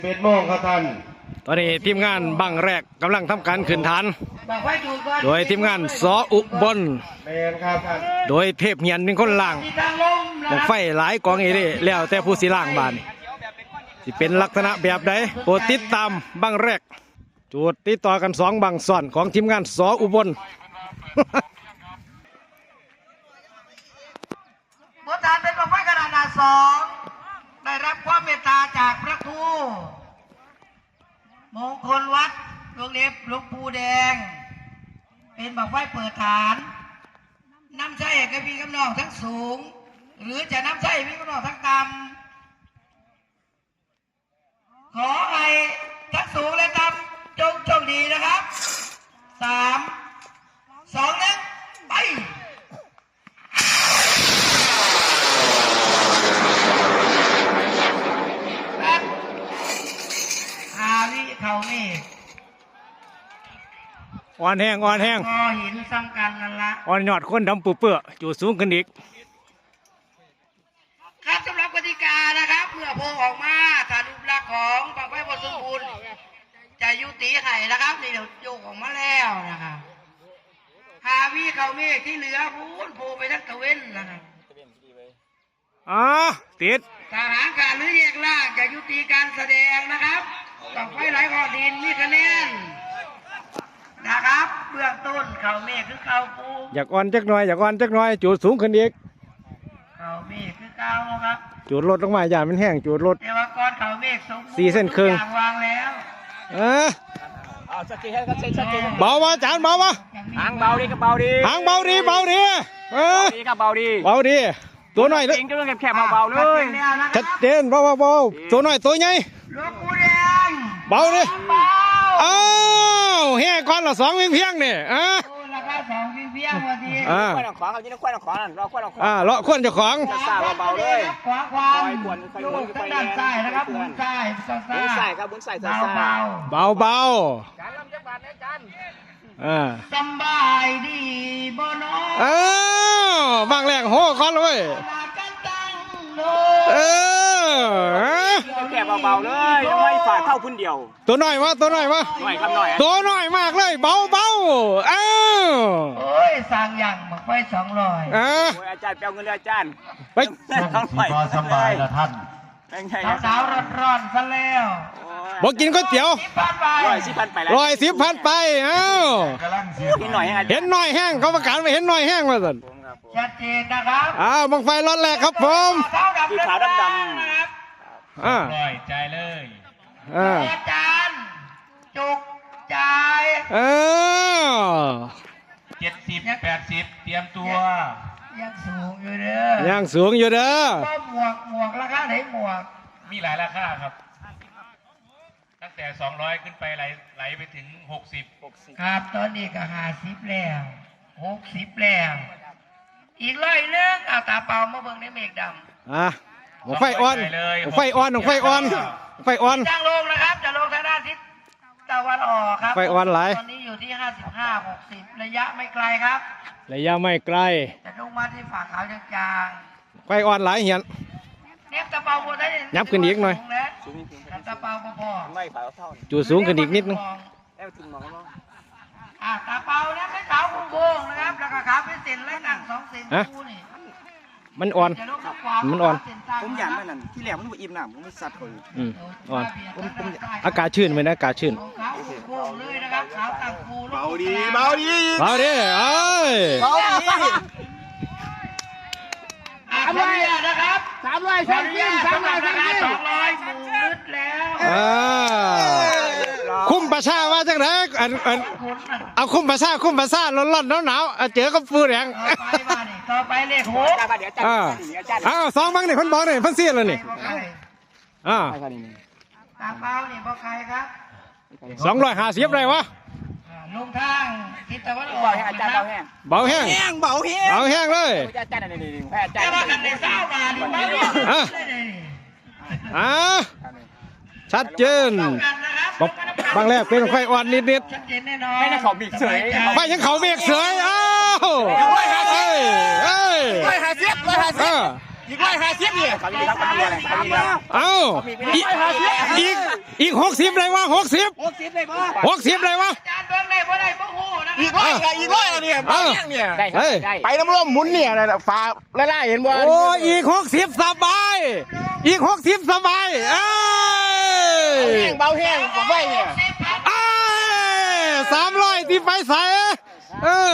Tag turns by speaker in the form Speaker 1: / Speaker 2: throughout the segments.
Speaker 1: 11 โมงครับท่าน
Speaker 2: ตอนนี้ทีมงานบังแรกกำลังทำการขึ้นฐานโดยทีมงานสออุบลโดยเทพเหียนเป็นคนล่างบังไฟหลายกองเอเร่แล้วแต่ผู้สิล่างบานสิเป็นลักษณะแบบใดโปรดติดตามบังแรกจุดติดต่อกัน2บังซ้อนของทีมงานสออุบล
Speaker 3: บทฐานเป็นบังไฟขนาด2ได้รับความเมตตาจากพระครูมงคลวัดหลวงเล็บหลวงปู่แดงเป็นบังไฟเปิดฐานน้ำใช้กับพี่กำนองทั้งสูงหรือจะน้ำใช้พี่กำนองทั้งต่ำขอให้ทั้งสูงและต่ำจงโชคดีนะครับ3 2 1ไปเขานี่
Speaker 2: อ่อนแห้ง
Speaker 3: พอหินซ้ำกันนั่นละ
Speaker 2: อ่อนยอดคนดำปูเปื้อจุดสูงขึ้นอีก
Speaker 3: ครับสำหรับกติกานะครับเมื่อโพออกมาถ้ารูปลักษณ์ของบังไฟบนสมบูรณ์จะยุติไห่นะครับนี่เดี๋ยวโยกออกมาแล้วนะครับหาวิเขาเมฆที่เหลือพูนโผล่ไปทั้งตะเวนนะครับ
Speaker 2: ติด
Speaker 3: ทหารการหรือแยกล่างจะยุติการแสดงนะครับต้องไฟไหลขอดินมีคะแนนนะครับเบื้องต้นเขาเมฆคือเขาปู
Speaker 2: อยากอ่อนจักหน่อยจุดสูงขึ้นอีก
Speaker 3: เขาเมฆคือเก้าครับ
Speaker 2: จุดลดลงมาอย่ามันแห้งจุดลด
Speaker 3: แต่ว่าก้อนเขาเมฆสม
Speaker 2: 4 เส้นครึ่ง
Speaker 3: วางแล้ว
Speaker 2: เบาวะจานเบาวะ
Speaker 4: หางเบาดีก็เบาดี
Speaker 2: หางเบาดี
Speaker 4: ก็เบาดี
Speaker 2: ตัวหน่อยเลย
Speaker 4: จริงก็แคบเบาๆเลย
Speaker 2: ชัดเจนเบาตัวหน่อยตัวใหญ่
Speaker 3: หลวงปู่แดง
Speaker 2: เบาดิอ้าวแห่ก้อนละ2 เพียงเนี่ย
Speaker 3: ราคา2 เพียงวันที
Speaker 4: ควนของเขาที่นักควนของนั่นรอควนของ
Speaker 2: เลาะควนเจ้าของ
Speaker 4: ซาเบาๆเลย
Speaker 3: ขวาความโยกทางด้านซ้ายนะครับหมุนซ้าย
Speaker 4: ครับหมุนซ้าย
Speaker 2: เบา
Speaker 4: การลำจังหวัดนะจัน
Speaker 3: สบายดีบ่น้
Speaker 2: บางแรงโหก้อนเลย
Speaker 4: แคบเบาๆเลยยังไม่ฝ่าเข้าพื้นเดียว
Speaker 2: ตัวหน่อยวะ
Speaker 4: หน่อยครับหน่อย
Speaker 2: ตัวหน่อยมากเลยเบา
Speaker 3: โอ้ยสั่งอย่างหมกไฟ200
Speaker 4: อาจารย์เปลวเงินเลยอาจารย์
Speaker 2: ไป
Speaker 1: สบายละท่าน
Speaker 3: สาวร้อนซะแล้ว
Speaker 2: บอกกินก๋วยเตี๋ยว
Speaker 4: 110,000ไปแล้ว
Speaker 2: 110,000ไป
Speaker 4: เห็นหน่อย
Speaker 2: แห้งเขาประกาศไปเห็นหน่อยแห้งมาสิ
Speaker 3: ชัดเจนนะครับ
Speaker 2: บังไฟร้อนแรกครับผม
Speaker 4: สีขาวดำ
Speaker 1: ร้อยใจเลย
Speaker 3: อาจารย์จุกใจ
Speaker 1: 70 80เตรียมตัว
Speaker 3: ยังสูงอยู่เด้อหมวกราคาไหนหมวก
Speaker 1: มีหลายราคาครับตั้งแต่200ขึ้นไปไหลไปถึง60
Speaker 3: ครับตอนนี้ก็50แล้ว60แล้วอีก100นึงเอาตาเปล่ามาเบิ่งในเมฆดำ
Speaker 2: ไฟอ่อน
Speaker 3: จ้างลงนะครับจะลงทางด้านทิศตะวันออกครับ
Speaker 2: ไฟอ่อนไหล
Speaker 3: ตอนนี้อยู่ที่55-60ระยะไม่ไกลครับ
Speaker 2: ระยะไม่ไกล
Speaker 3: จะลงมาที่ฝั่งเขาจาง
Speaker 2: ไฟอ่อนไหลเหียน
Speaker 3: เนฟตะเปาบนได้
Speaker 2: ยับขึ้นอีกหน่อย
Speaker 3: ตะเปาพอ
Speaker 2: จูสูงขึ้นอีกนิดนึง
Speaker 3: ตาเปาเนี่ยไม่ขาวคุ้งโบงนะครับแล้วก็ขาวเป็นเส้นและหนัง2 เส้นคู่นี่
Speaker 2: มันอ่อน
Speaker 4: ผมอยากนั่นที่แหลมมันอิ่มหนำผมไม่สัตว์เลย
Speaker 2: อ่อนอากาศชื้นไหมนะอากาศชื้น
Speaker 4: เบาดี
Speaker 3: นะครับ300 200 200 หมูลึดแล้ว
Speaker 2: คุ้มประชาว่าจังไรเอาคุ้มประชาร้อนหนาวเจอกับฟูแดง
Speaker 3: ต่อไปเลข
Speaker 2: 62บังนี่พันบอกนี่พันเสียเลยนี่
Speaker 3: ตาเปานี่บอกใครครับ
Speaker 2: 250ไรวะ
Speaker 3: ลงทางทิศตะวันออก
Speaker 4: อาจารย์
Speaker 2: เบาแห้งเลย
Speaker 4: อาจารย์นี่
Speaker 3: แต่ว่ากันในเศร้ามาดิ
Speaker 2: ชัดเจนบางแรกเป็นไฟอ่อนนิด
Speaker 3: ชัดเจนแน่นอนไม่
Speaker 4: ได้เขาเบรกเสย
Speaker 2: ไฟยังเขาเบรกเสย
Speaker 4: 150 อีก150นี่ครับนี่ครับคนนี้อะไรครับนี่ครับ
Speaker 2: เอ้าอีก60เลยวะ60
Speaker 4: 60ได้บ่
Speaker 2: 60เลยวะ
Speaker 3: อาจารย์เบิ่งได้บ่ได้บ่ฮู้นะ
Speaker 4: อีกร้อยเนี่ย
Speaker 2: เออ
Speaker 4: เนี่ย
Speaker 2: เฮ้ย
Speaker 4: ไปน้ำร่วมหมุนเนี่ยอะไรฟ้าไล่เห็นบ่
Speaker 2: โอ้อีก60สบายอีก60สบายเอ้ย
Speaker 4: เบาแห้งผมไว้เนี่ย
Speaker 2: เอ้ย300ที่ไปใส่เออ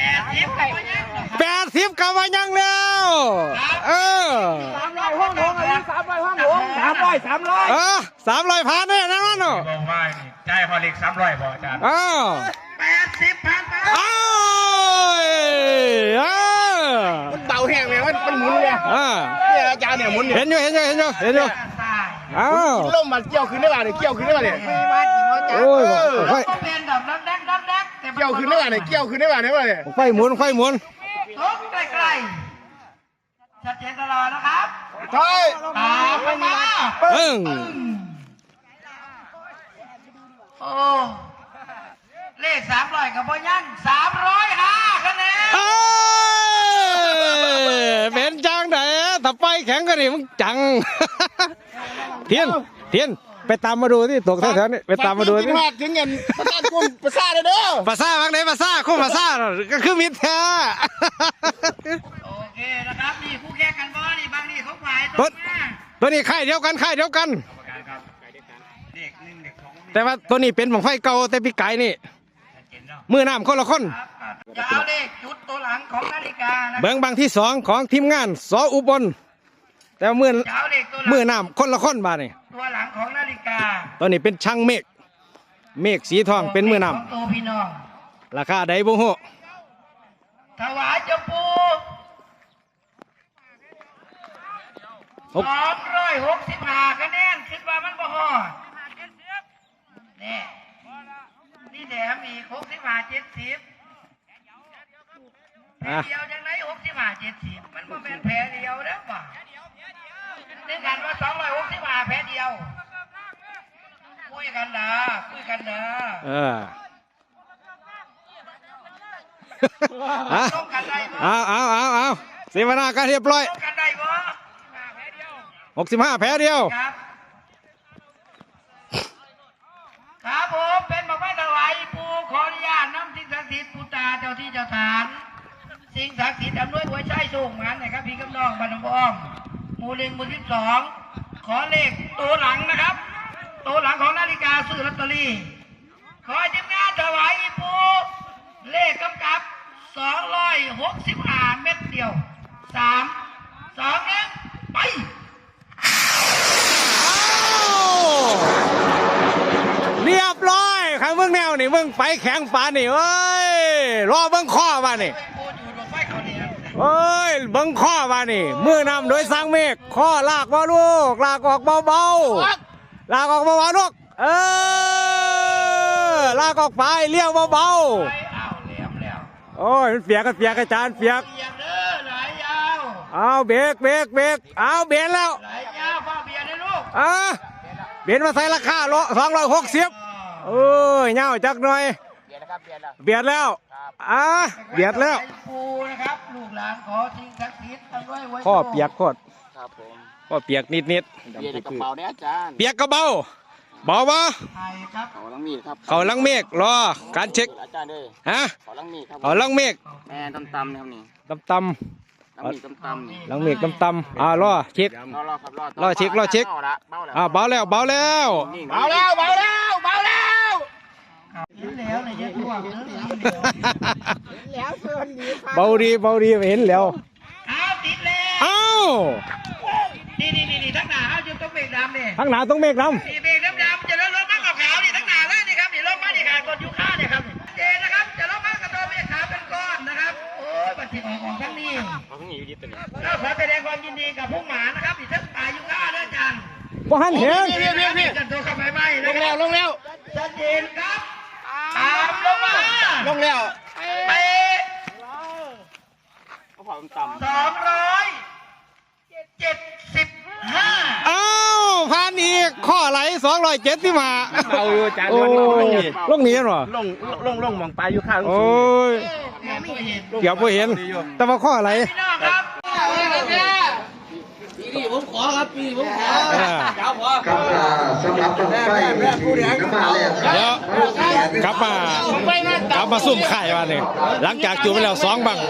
Speaker 2: 80กับว่ายังแล้วเออ
Speaker 4: 300ห้องหลวงอะไร300ห้องหลวง300
Speaker 2: เออ300พันเนี่ยนะนั่นเนาะ
Speaker 1: บอกว่านี่จ่ายพอเล็ก300บอกอาจารย์
Speaker 2: อ้าว
Speaker 3: 80พันบาท
Speaker 2: อ้าวเออ
Speaker 4: มันเบาแห้งเลยมันหมุนเนี่ย
Speaker 2: อ่า
Speaker 4: เนี่ยอาจารย์เนี่ยหมุนเนี่ย
Speaker 2: เห็นอยู่อ้าว
Speaker 4: ล่มมันเกี่ยวขึ้นได้ป่ะเนี่ยเกี่ยวขึ้นได้ป่ะเนี่ย
Speaker 2: โอ้ยไฟ
Speaker 3: ก็เป็นแบบดักแต่
Speaker 4: เกี่ยวขึ้นได้ป่ะเนี่ยเกี่ยวขึ้นได้ป่ะเนี่ย
Speaker 2: ไฟหมุน
Speaker 3: ตกใกล้ๆชัดเจนตลอดนะครับ
Speaker 4: ใช่
Speaker 3: ตามไปมา โอ้เลข300กับพ่ยัง305คะแนน
Speaker 2: เอ้ยเป็นจังไหนถ้าไปแข็งกันนี่มึงจัง เทียนไปตามมาดูที่ตกแถวๆนี่ไปตามมาดูที่
Speaker 4: ถึงเงินประสานกุ้มประสานเลยเด้อ
Speaker 2: ภาษาบางไหนภาษาคุ้มภาษาก็คือมิตรแท้
Speaker 3: โอเคนะครับนี่คู่แข่งกันบ่นี่บางนี่เขาฝ่าย
Speaker 2: ต้
Speaker 3: ตั
Speaker 2: น
Speaker 3: วมา
Speaker 2: ตัวนี้ค่ายเดียวกัน แต่ว่าตัวนี้เป็นบังไฟเก่าแต่พี่ไก่นี่มือน้ำคนละคน
Speaker 3: จะเอาเลขจุดตัวหลังของนาฬิกานะ
Speaker 2: เบิ้งบางที่2ของทีมงานสออุบลแต่ว่ามือ
Speaker 3: จะเอาเลขตัวหลัง
Speaker 2: มือน้ำคนละคนบาดนี่
Speaker 3: ตัวหลังของนาฬิกา
Speaker 2: ตัวนี้เป็นช่างเมฆสีทองเป็นมือน้
Speaker 3: ของตัวพี่น้อง
Speaker 2: ำราคาใดบ่ฮู้
Speaker 3: ถวายเจ้าปู่265คะแนนคิดว่ามันบ่ฮอดนี่นี่แถมอีก65 70แพ้เดียวจังไหน65 70มันบ่เป็นแพ้เดียวเด้อป่ะนึกกันว่า265แพ้เดียวคุยกันนะ
Speaker 2: เออฮะ
Speaker 3: ต้องกันได้บ่
Speaker 2: เอาเสวนาการเรียบร้อย
Speaker 3: ต้องกันได้บ่
Speaker 2: 65แพ้เดียว
Speaker 3: ครับครับผมเป็นบอกว่าถวายปู่ขออนุญาตน้ำสิ่งศักดิ์สิทธิ์ปู่ตาเจ้าที่เจ้าฐาน สิ่งศักดิ์สิทธิ์อำนวยหัวใจสูงมันนะครับพี่กำนองบ้านหนองบัวอ้อมหมู่1หมู่12ขอเลขตัวหลังนะครับ ตัวหลังของนาฬิกาซื้อลอตเตอรี่ขอทีมงานถวายปู่เลขกำกับ265เม็ดเดียว3 2 1ไป
Speaker 2: เรียบร้อยครับมึงแนวนี่มึงไปแข็งปานนี่เอ้ยรอเบิ้งข้อมานี่เอ้ยเบิ้งข้อมานี่มือนำโดยสร้างเมฆข้อลากบ่ลูกลากออกเบาๆลากออกเบาๆลูกลากออกไปเลี้ยวเบา
Speaker 3: เอาเหลี่ยมแล้ว
Speaker 2: ๆโอ้ยมันเปียกอาจารย์เปียก
Speaker 3: เหลี่ยมเด้อไหลยาว
Speaker 2: เอาเบรกเอาเบรกแล้ว
Speaker 3: ไหลยาวพ่อเบียร์นะลูก
Speaker 2: เบรกมาใส่ราคา260เอ้ยเงาจักหน่อยเบียดแล้วเบียดแล้ว
Speaker 3: ปูนะครับลูกหลานขอสิ่งศักดิ์สิทธิ์ตั้งไว้ไว้
Speaker 2: ข้อเปียกโคตร
Speaker 4: ครับผม
Speaker 2: ข้อเปียกนิด
Speaker 4: เบียร์ในกระเป๋าเนี่ยอาจารย์
Speaker 2: เปียกก็เบาปะ
Speaker 3: ไทยครับ
Speaker 4: เขาลังมีดครับ
Speaker 2: เขาลังเมฆรอการเช็ค
Speaker 4: อาจารย์เด้อ
Speaker 2: ฮะ
Speaker 4: เขาลังมีดครับ
Speaker 2: เขาลังเมฆ
Speaker 4: แม่ตำนะครับนี่
Speaker 2: ตำ
Speaker 4: ลังมีดตำนี่
Speaker 2: ลังเมฆตำรอเช็ค
Speaker 4: รอครับ
Speaker 2: รอเช็ค
Speaker 4: เบาแล้ว
Speaker 2: เบาแล้ว
Speaker 4: เบาแล้ว
Speaker 3: เห็นแล้วเนี่ยจะท่วมเด้อแล้ว
Speaker 2: เบาดีเห็นแล้ว
Speaker 3: เอาติดแล้ว
Speaker 2: เอ้า
Speaker 3: นี่ทั้งหน้าเอาจุดต้องเบรกดำเนี่ย
Speaker 2: ข้างหน้าต้องเมฆด
Speaker 3: นี่เบรกดำจะเลื่อนรถมากับขาวนี่ทั้งหน้าเลยนี่ครับนี่รถมานี่ขาดกดยูค่าเนี่ยครับเจนะครับจะรถมากับตัวเมฆขาวเป็นก้อนนะครับโอ้ยบัตรที่ออกของทั้งนี้
Speaker 4: เขาเพิ่งอยู่ดีตัวนี้
Speaker 3: เราขอแสดงความยินดีกับผู้หมานะครับที่ทั้งป่ายูค่าด้วยจัง
Speaker 2: ำบ่หันเห็น
Speaker 3: กันตัวเข้าไปไหม
Speaker 4: ลงแล้ว
Speaker 3: ชัดเจนครับตามลงมา
Speaker 4: ลงแล้ว
Speaker 3: ไป
Speaker 4: เขาเผาต่ำ
Speaker 3: 275
Speaker 2: เอ้าผ่านอีกข้อไหล275
Speaker 4: เอาอยู่อาจารย์
Speaker 2: โอ้ลงนี้เหรอ
Speaker 4: ลงมองปลาอยู่ข้าง
Speaker 2: โอ้ย
Speaker 3: แม่ไม่เห็น
Speaker 2: เกี่ยวบ่เห็น แต่ว่าข้อไหล
Speaker 3: พี่น้องครับ
Speaker 5: ครับสำหรับต้องไปน้ำมาแล้ว
Speaker 2: เดี๋ยวกลับมาซุ่มไข่มาเนี่ยหลังจากจูบไปแล้ว2 บัง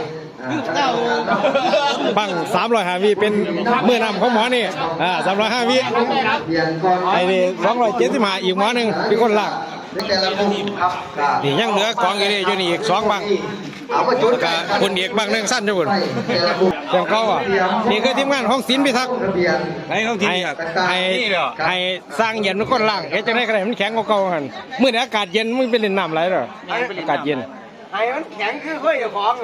Speaker 2: 305 วิเป็นมือนำของหมอนี่305 วิ
Speaker 5: เรียนก่อน
Speaker 2: ไอ้นี่275อีกหมอหนึ่งเป็นคนหลัก
Speaker 5: ในแต่ละมุมครับ
Speaker 2: นี่ยังเหลือกองอยู่นี่อยู่นี่อีก2 บัง
Speaker 5: เอามาจุด
Speaker 2: แล้วก็คุณเอกบังหนึงสั้นอยู่คุณ
Speaker 5: แต่ละมุม
Speaker 2: เสียงเขาอ่ะนี่คือทีมงานของศิลป์พิทักษ์
Speaker 5: ระเบียน
Speaker 2: ให้สร้างเย็นเป็นคนล่างเฮ็ดจังได๋ก็ได้มันแข็งกว่าเก่าหั่นมื้อนี้อากาศเย็นมึงไปเล่นน้ำไหลเหรออากาศเย็น
Speaker 4: ไอ้มันแข็งคือค่อยกับของ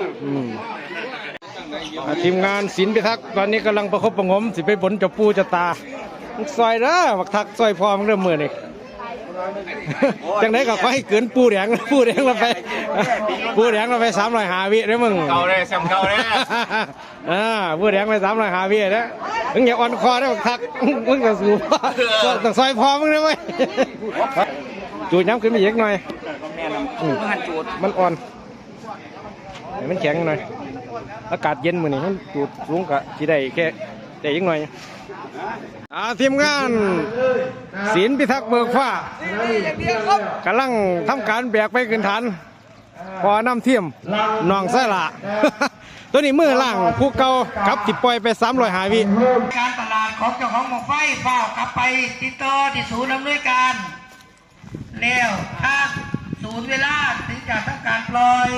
Speaker 2: ทีมงานศิลป์พิทักษ์ตอนนี้กำลังประคบประหงมสิไปบนเจ้าปู่เจ้าตามึงซอยเด้อบักทักซอยพอมึงเริ่มมื้อนี่ จังได๋ก็ขอให้เกินปูแดงเราไปปูแดงเราไป305 วิเด้อมึง
Speaker 1: เก่าเลยแซมเก่าเลย
Speaker 2: ปูแดงไป305 วิเด้อมึงอย่าอ่อนคอเด้อบักทักมึงก็สู้ต้องซอยพอมึงเด้อเว้ยจูดย้ำขึ้นมาอีกหน่อย มันอ่อนให้มันแข็งหน่อยอากาศเย็นมื้อนี้มันจูดสูงก็สิได้แค่ได้อีกหน่อยทีมงานศิลป์พิทักษ์เบิกฟ้ากำลังทำการแบกไปขึ้นฐานพอน้ำเทียมน้องไส้ละ ตัวนี้มือล่างผู้เก่ากับติดปล่อยไป305 วิ
Speaker 3: การตลาดของเจ้าของหมอกไฟเฝ้ากลับไปติดต่อที่ศูนย์อำนวยการแล้วถ้าศูนย์เวลาถึงจะทำการปล่อย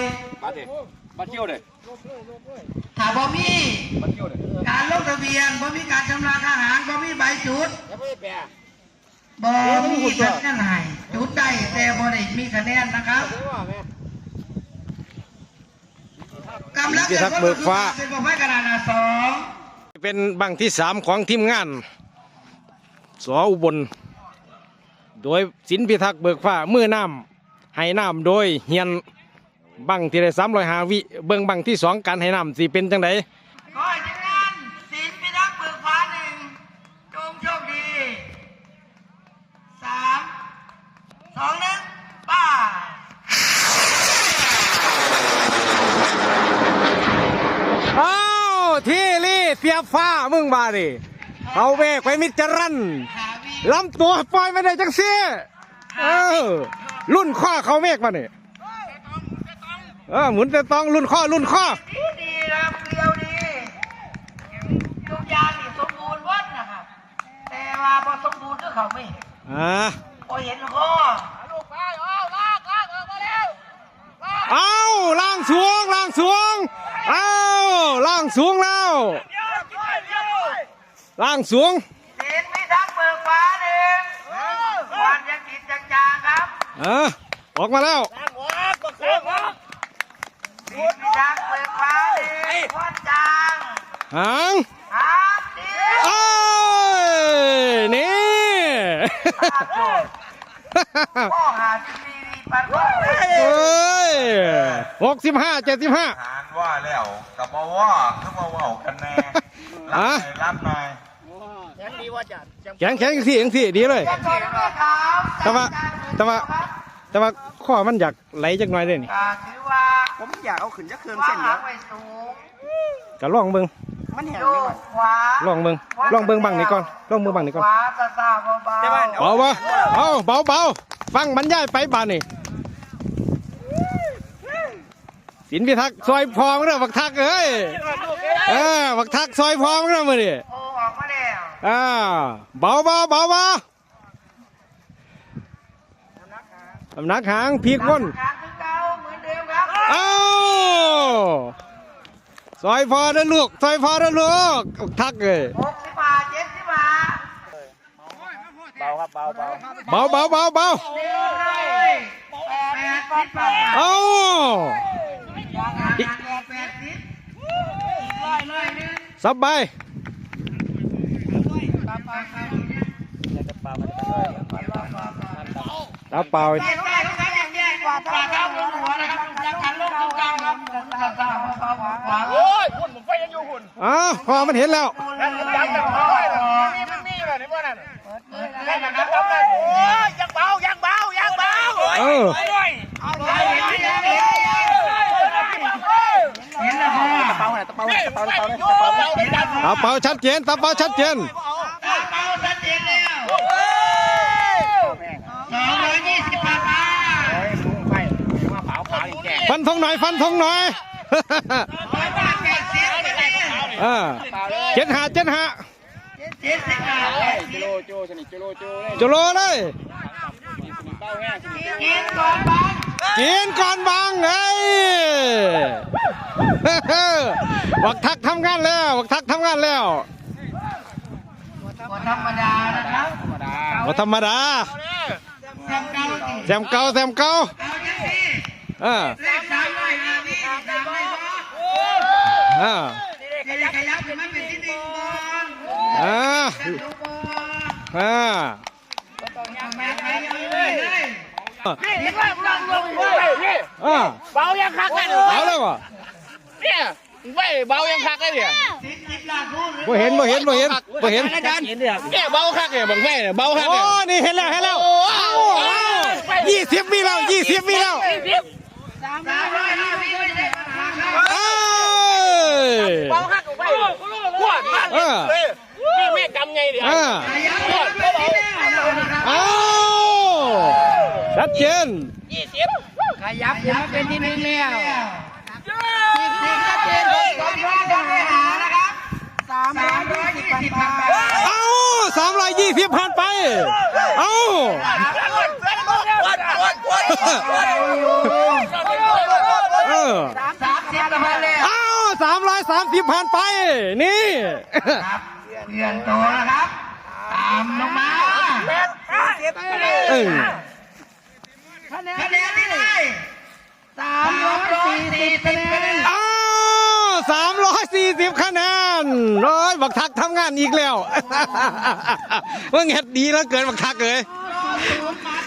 Speaker 3: ถ้าบ่มีการลงทะเบียนบ่มีการชำระค่าอาหารบ่มีใบจุดบ่มีคะแนนให้จุดได้แต่บ่ได้มีคะแนนนะครับกำลังจะเบิกฟ้าเป็นบ่ไฟกระดาษA2
Speaker 2: เป็นบังที่3ของทีมงานสอุบลโดยศิลป์พิทักษ์เบิกฟ้ามือน้ำให้น้ำโดยเฮียนบังที่ได้305 วิเบิ่งบังที่2การให้น้ำสิเป็นจังได
Speaker 3: ขอให้ทีมงานศิลป์พิทักษ์เบิกฟ้า1จงโชคดี3 2 1ป้า
Speaker 2: อ้าวที่รี่เสียบฟ้ามึงบาดิเอาเบรกไปมิดจรันลำตัวปล่อยไม่ได้จังซี่รุ่นข้อเขาเมฆมาเนี่ยหมุนแต่ต้องรุ่นข้อ
Speaker 3: ดีครับเรียวดีทุกอย่างนี่สมบูรณ์วัดนะครับ แต่ว่าพอสมบูรณ์ก็เขาไม่เห็นพอเห็นข้อ
Speaker 2: เอาล่างสูงเอาล่างสูงแล้วล่างสูง
Speaker 3: ศิลป์พิทักษ์เบิกฟ้า1วันยังกินจางๆครับ
Speaker 2: ออกมาแล้ว
Speaker 3: ศิลป์พิทักษ์เบิกฟ้า1วันจาง
Speaker 2: หางนี่
Speaker 3: พ่อหาทีวีปัน
Speaker 2: 65 75
Speaker 6: หารว่าแล้วกับมาว่าคือมาว่ากันแน่รับหน่อย
Speaker 2: แข็งที่ดีเลยแต่ว่าข้อมันอยากไหลจักหน่อยเลยนี่
Speaker 3: ถือว่า
Speaker 4: ผมอยากเอาขึ้นจักเครื่องเส้นเดียว
Speaker 2: ก็ลองเบิ่ง
Speaker 4: มันแห้ง
Speaker 2: ลองเบิ่งบังนี่ก่อนลองเบิ่งบังนี่ก่อนเบาฟังบรรยายไปบานนี่ศิลป์พิทักษ์ซอยพอมั้งเด้อบักทักเอ้ยบักทักซอยพอมั้งเด้อมื้อนี้
Speaker 3: ออกมาแล้ว
Speaker 2: เบาสำนักหางพีกวนซอยพอเด้อลูกทักเลย
Speaker 3: 65 75
Speaker 2: เบาสบายตาเปล่าพอมันเห็นแล้ว
Speaker 3: เห็นแล้วพ่อ
Speaker 2: ตาเปาชัดเจนตาเปาชัดเจน
Speaker 3: ตาเปาชัดเจนแล้ว220 บาท
Speaker 2: ฟันธงหน่อยฟันธงหน่อย เจ็ดหาเจ็ดหาจุโลเลย กินก่อนบางเฮ้ยบักทักทำงานแล้วบักทักทำงานแล้ว
Speaker 3: ธรรมดานะครับ
Speaker 2: บ่ธรรมดา
Speaker 3: แซมเก่า
Speaker 2: แซมเก่าแซมเก่า
Speaker 3: เอาอย่างนี้ เลข300นี่ดังไหมบ่จะได้ขยับขึ้นมาเป็นที่หนึ่งบ่จะดูบ่แม่ไปเลยนี่ว่าลง
Speaker 2: เบายังคักเลยเบาเลยวะเนี่ยเบายังคักเลยเนี่ยบ่เห็นเนี่ยเบาคักเนี่ยบังไฟเนี่ยเบาคักเนี่ยโอ้นี่เห็นแล้ว20 วิแล้ว20 วิแล้ว
Speaker 3: 350วิไม่ได้ปัญหาครับ
Speaker 2: เบาคักไปขวดมากเลยนี่แม่กำไงเดี๋ยวชัดเจน
Speaker 3: ขยับขึ้นมาเป็นที่หนึ่งแล้วชัดเจน200ไปหานะครับ320 บาท
Speaker 2: 320ผ่านไป330ผ่านไปนี่
Speaker 3: ครับเปลี่ยนตัวนะครับตามลงมาคะแนนที่ไหน340 คะแนน
Speaker 2: 340 คะแนนร้อยบักทักทำงานอีกแล้วเมื่อเฮ็ดดีแล้วเกินบักทักเลย
Speaker 3: 0 มา